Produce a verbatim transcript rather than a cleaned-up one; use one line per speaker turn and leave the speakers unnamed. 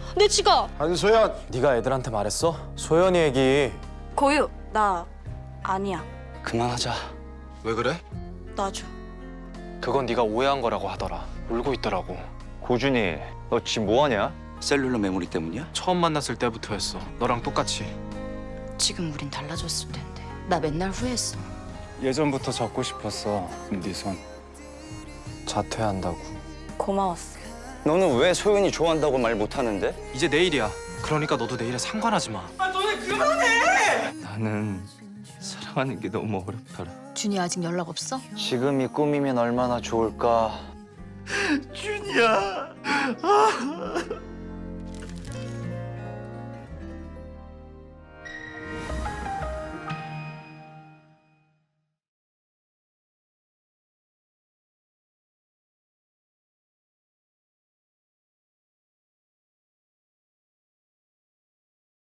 내 지갑!
한소연!
네가 애들한테 말했어? 소연이 얘기.
고유, 나 아니야.
그만하자.
왜 그래?
놔줘.
그건 네가 오해한 거라고 하더라. 울고 있더라고.
고준이, 너 지금 뭐하냐? 셀룰러 메모리 때문이야?
처음 만났을 때부터였어. 너랑 똑같이.
지금 우린 달라졌을 텐데. 나 맨날 후회했어.
예전부터 잡고 싶었어. 네 손. 자퇴한다고.
고마웠어.
너는 왜 소연이 좋아한다고 말 못하는데?
이제 내일이야. 그러니까 너도 내일에 상관하지 마.
나는 사랑하는 게 너무 어렵더라.
준이 아직 연락 없어?
지금이 꿈이면 얼마나 좋을까.
준이야.